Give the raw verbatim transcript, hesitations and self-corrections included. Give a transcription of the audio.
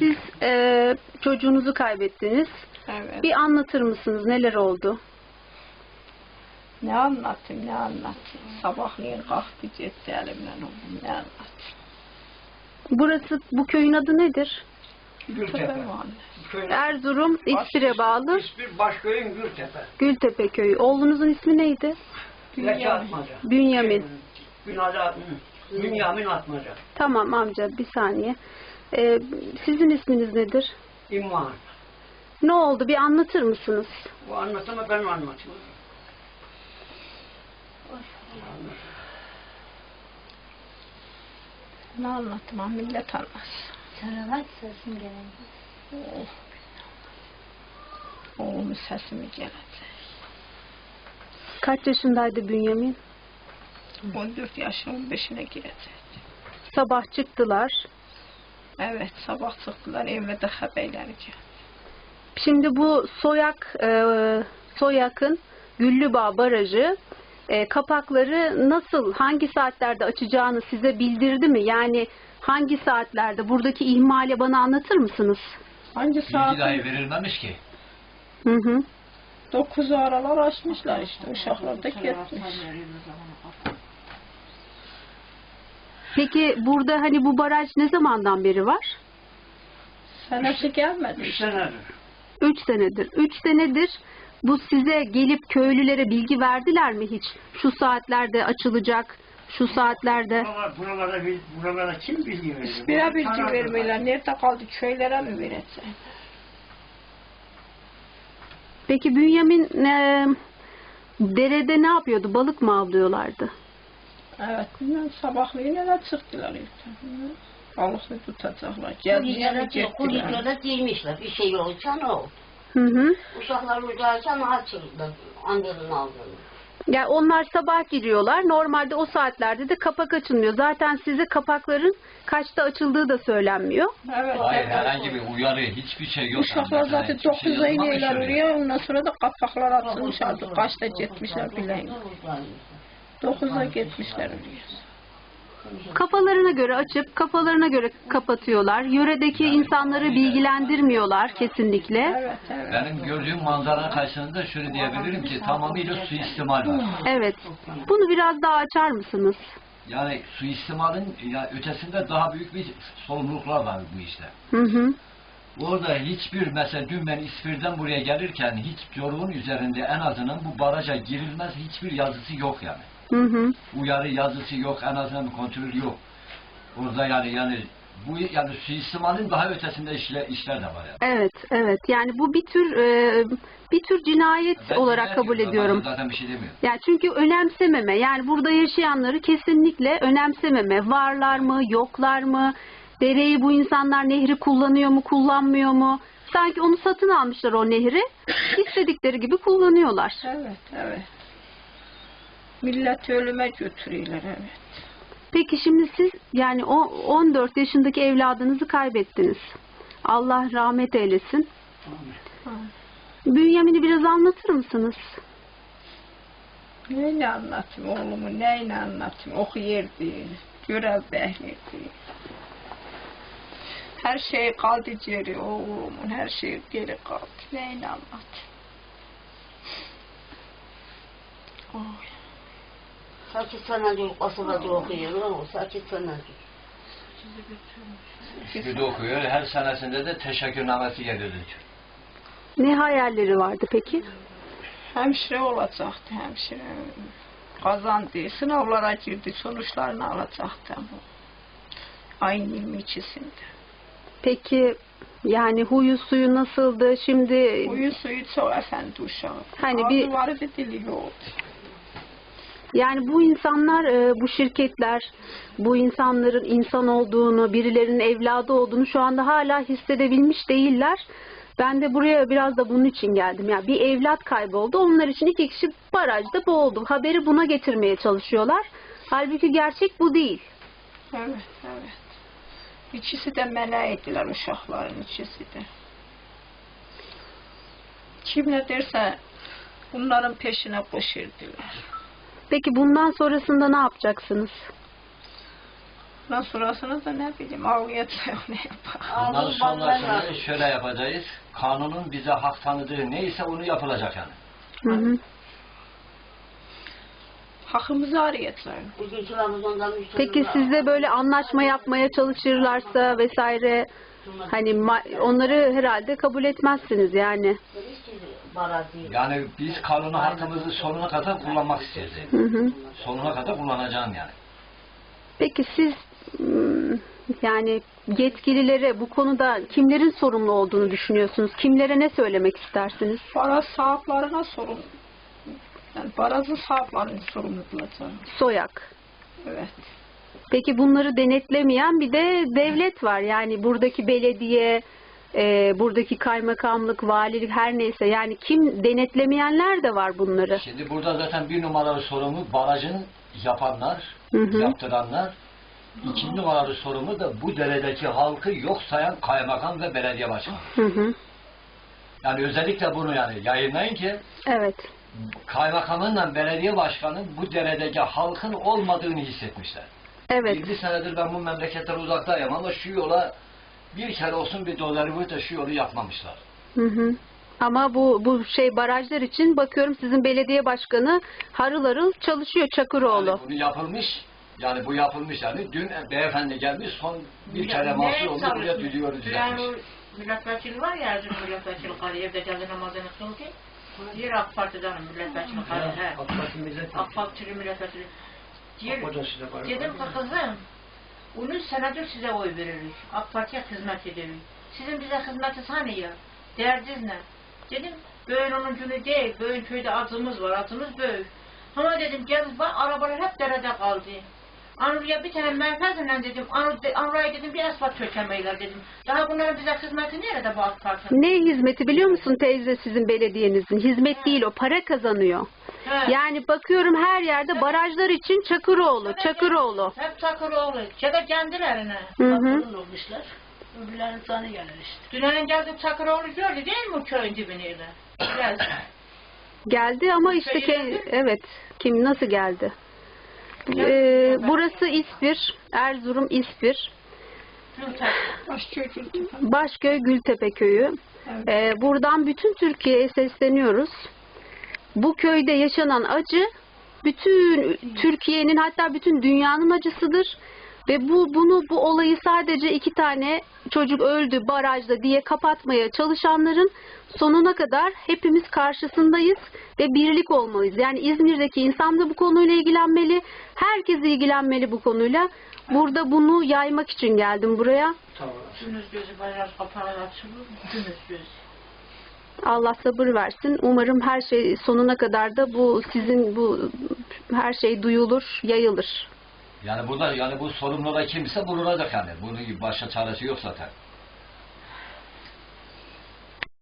siz e, çocuğunuzu kaybettiniz. Evet. Bir anlatır mısınız? Neler oldu? Ne anlatayım, ne anlatayım? Sabahleyin kalktı gitti elimden oğlum, ne anlatayım? Burası, bu köyün adı nedir? Gültepe. Erzurum, İspir'e bağlı. İspir Başköy'ün Gültepe. Gültepe köyü. Oğlunuzun ismi neydi? Zeki Atmaca. Bünyamin. Bünyamin. Bünyamin Atmaca. Tamam amca, bir saniye. Ee, sizin isminiz nedir? İmman. Ne oldu? Bir anlatır mısınız? Bu anlatımı ben anlatayım. Ne anlatmam, millet anlasın. Salavat sesin gelecek. Oh. Oğlumun sesimi gelecek. Kaç yaşındaydı Bünyamin? on dört yaşına on beşine girecek. Sabah çıktılar. Evet, sabah çıktılar, evde haberleri geldi. Şimdi bu Soyak, e, Soyak'ın Güllübağ Barajı e, kapakları nasıl, hangi saatlerde açacağını size bildirdi mi? Yani hangi saatlerde? Buradaki ihmali bana anlatır mısınız? Hangi Bilgi saat? dahi verilmemiş ki. Hı hı. dokuz aralar açmışlar işte, uşaklar da gitmiş. Peki burada hani bu baraj ne zamandan beri var? Senesi gelmedi Üç işte. senedir. Üç senedir. Üç senedir bu size gelip köylülere bilgi verdiler mi hiç? Şu saatlerde açılacak, şu saatlerde. Buralar, buralara, bil- buralara kim bilgi veriyor? İspire bilgi vermiyorlar. Nerede kaldı? Köylere mi verecek? Peki Bünyamin e, derede ne yapıyordu? Balık mı avlıyorlardı? Evet, bilmem sabahleyin eve çıktılar ilk. Balıklı tutacaklar. Geldiğine mi Kuliklere gittiler? kuliklere girmişler. Bir şey olsa ne oldu? Hı hı. Uşaklar uzarken açıldı. Annenin aldığını. Yani onlar sabah giriyorlar. Normalde o saatlerde de kapak açılmıyor. Zaten size kapakların kaçta açıldığı da söylenmiyor. Evet, Hayır, evet. herhangi bir uyarı, hiçbir şey yok. Uşaklar Yani zaten hiçbir şey dokuza yazılmamış iniyorlar oraya. oraya. Ondan sonra da kapaklar atılmış artık. Kaçta gitmişler bileyim. Dokuza gitmişler oraya. Kafalarına göre açıp kafalarına göre kapatıyorlar. Yöredeki insanları bilgilendirmiyorlar kesinlikle. Evet, evet. Benim gördüğüm manzaranın karşısında şöyle diyebilirim ki tamamıyla suistimal var. Evet. Bunu biraz daha açar mısınız? Yani suistimalin ya ötesinde daha büyük bir sorumluluklar var bu işte. Hı hı. Orada hiçbir, mesela dün ben İspir'den buraya gelirken hiç yolun üzerinde en azından bu baraja girilmez hiçbir yazısı yok yani. Hı hı. Uyarı yazısı yok, en azından bir kontrol yok. Orada yani yani bu yani suistimalin daha ötesinde işler, işler de var yani. Evet, evet. Yani bu bir tür e, bir tür cinayet Ben olarak dinlemiyorum, kabul ediyorum. Zaten bir şey demiyorum. Yani çünkü önemsememe. Yani burada yaşayanları kesinlikle önemsememe. Varlar mı, yoklar mı? Dereyi bu insanlar nehri kullanıyor mu, kullanmıyor mu? Sanki onu satın almışlar o nehri. İstedikleri gibi kullanıyorlar. Evet, evet. Millet ölüme götürüyorlar, evet. Peki şimdi siz yani o on dört yaşındaki evladınızı kaybettiniz. Allah rahmet eylesin. Bünyamin'i biraz anlatır mısınız? Neyle anlatayım oğlumu, neyle anlatayım? Okuyurdu, görev behliydi. Her şey kaldı geri oğlumun, her şey geri kaldı. Neyle anlatayım? Oy. Sakit senedir kasabada okuyor ama sakit senedir. İspir'de okuyor, her senesinde de teşekkürnamesi geliyordu. Ne hayalleri vardı peki? Hemşire olacaktı, hemşire. Kazandı, sınavlara girdi, sonuçlarını alacaktı. Ayın yirmi ikisinde. Peki yani huyu suyu nasıldı? Şimdi Huyu suyu çok efendi uşağı. Hani bir- Ağzı vardı, dili yoktu. yani bu insanlar, e, bu şirketler, bu insanların insan olduğunu, birilerinin evladı olduğunu şu anda hala hissedebilmiş değiller. Ben de buraya biraz da bunun için geldim. Yani bir evlat kayboldu. Onlar için iki kişi barajda boğuldu. Haberi buna getirmeye çalışıyorlar. Halbuki gerçek bu değil. Evet, evet. İkisi de meleğiydiler uşakların ikisi de. Kim ne derse bunların peşine koşurdular. Peki bundan sonrasında ne yapacaksınız? Bundan sonrasını da ne bileyim ağlayacak ne yapar. Bundan Ağzını bağlar sonrasını şöyle yapacağız. Kanunun bize hak tanıdığı neyse onu yapılacak yani. Hı hı. Hakkımızı arayacaklar. Bugün kiramız ondan üç Peki sizle böyle anlaşma yapmaya çalışırlarsa vesaire, hani ma- onları herhalde kabul etmezsiniz yani. Yani biz kanunu hakkımızı sonuna kadar kullanmak istiyoruz. Hı hı. Sonuna kadar kullanacağım yani. Peki siz ım, yani yetkililere bu konuda kimlerin sorumlu olduğunu düşünüyorsunuz? Kimlere ne söylemek istersiniz? Baraz sahiplerine sorun. Yani barazın sahiplerinin sorumlu kılacağım. Soyak. Evet. Peki bunları denetlemeyen bir de devlet var. Yani buradaki belediye, e, buradaki kaymakamlık, valilik her neyse. Yani kim denetlemeyenler de var bunları. Şimdi burada zaten bir numaralı sorumlu barajın yapanlar, Hı hı. yaptıranlar. İkinci numaralı sorumlu da bu deredeki halkı yok sayan kaymakam ve belediye başkanı. Hı hı. Yani özellikle bunu yani yayınlayın ki Evet. kaymakamınla belediye başkanı bu deredeki halkın olmadığını hissetmişler. Evet. yirmi senedir ben bu memleketten uzaktayım ama şu yola bir kere olsun bir doları bu da şu yolu yapmamışlar. Hı hı. Ama bu bu şey barajlar için bakıyorum sizin belediye başkanı harıl harıl çalışıyor Çakıroğlu. Yani bunu yapılmış, yani bu yapılmış yani. Dün beyefendi gelmiş son bir kere mahsul oldu buraya diliyoruz Yani düzeltmiş. o milletvekili var ya Erzurum milletvekili karı evde geldi namazını kıldı. Diğer AK Parti'den milletvekili karı. He. AK Parti milletvekili. AK Partili milletvekili. Diğer, O da size var. dedim ki kızım, onu senedir size oy veririz. AK Parti'ye hizmet ederiz. Sizin bize hizmetiniz hani ya? Derdiniz ne? Dedim, böyle onun günü değil, böyle köyde adımız var, adımız büyük. Ama dedim, gel bak, arabalar hep derede kaldı. Anurya bir tane menfezle dedim, Anurya dedim bir asfalt çökemeyler dedim. Daha bunların bize hizmeti nerede bu AK Parti'nin? Ne hizmeti biliyor musun teyze sizin belediyenizin? Hizmet değil o, para kazanıyor. He. Yani bakıyorum her yerde barajlar için Çakıroğlu, Çakıroğlu. Hep Çakıroğlu, ya da kendilerine. Hı hı. Bakırın olmuşlar. Öbürlerin tanı gelir işte. Dünyanın geldi Çakıroğlu gördü değil mi o köyün dibini? Biraz. Geldi ama işte ke- evet, kim nasıl geldi? Ee, burası İspir, Erzurum İspir. Başköy Gültepe. Başköy Gültepe köyü. Evet. Ee, buradan bütün Türkiye'ye sesleniyoruz. Bu köyde yaşanan acı bütün Türkiye'nin hatta bütün dünyanın acısıdır. Ve bu bunu bu olayı sadece iki tane çocuk öldü barajda diye kapatmaya çalışanların sonuna kadar hepimiz karşısındayız ve birlik olmalıyız. Yani İzmir'deki insan da bu konuyla ilgilenmeli. Herkes ilgilenmeli bu konuyla. Burada bunu yaymak için geldim buraya. Tamam. Gündüz gözü bayrak kapalı açılır. Gündüz gözü. Allah sabır versin. Umarım her şey sonuna kadar da bu sizin bu her şey duyulur, yayılır. Yani burada yani bu sorumlu da kimse bulunacak yani. Bunun başka çaresi yok zaten.